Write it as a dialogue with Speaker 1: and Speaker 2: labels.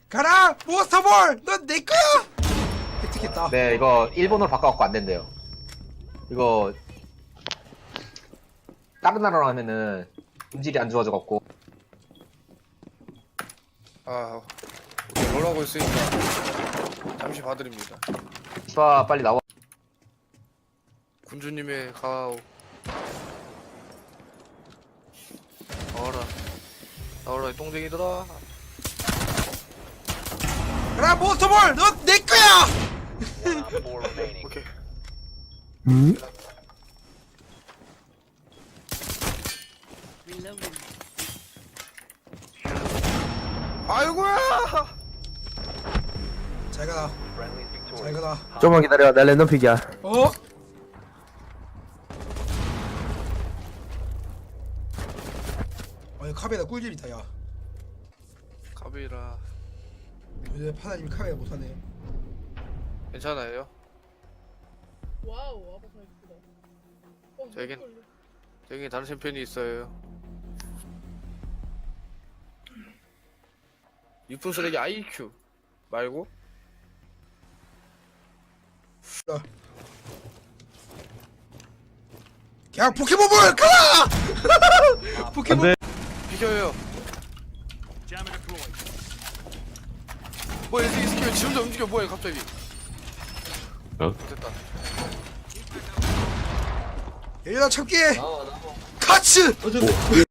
Speaker 1: 가라 몬스터볼 넌 내 거야. 획득했다.
Speaker 2: 네, 이거 일본어로 바꿔갖고 안 된대요. 이거 다른 나라로 하면은 음질이 안 좋아져갖고.
Speaker 3: 아, 오케이, 롤하고 있으니까 잠시 봐드립니다.
Speaker 2: 시바 빨리 나와.
Speaker 3: 군주님의 가오. 나와라 이 똥쟁이들아.
Speaker 1: 가라 몬스터볼 넌 내 거야.
Speaker 3: 오케이. 아이고야.
Speaker 1: 잘 가라. 잘 가라.
Speaker 4: 좀만 기다려. 나 랜덤 픽이야.
Speaker 1: 어? 카베라 꿀잼이다 야.
Speaker 3: 가비라.
Speaker 1: 요새 파나님 카베라 못하네.
Speaker 3: 괜찮아요?
Speaker 5: 와우, 아바타 예쁘다.
Speaker 3: 저긴-
Speaker 5: 너무
Speaker 3: 여기 다른 챔피언이 있어요. 유품 쓰레기 IQ 말고
Speaker 1: 그냥 포켓몬볼 가라. 포켓몬.
Speaker 3: 비켜요. 뭐야 이 스킬 지 혼자 움직여. 뭐야 갑자기. 됐다.
Speaker 1: 얘들아 참기. 카츠.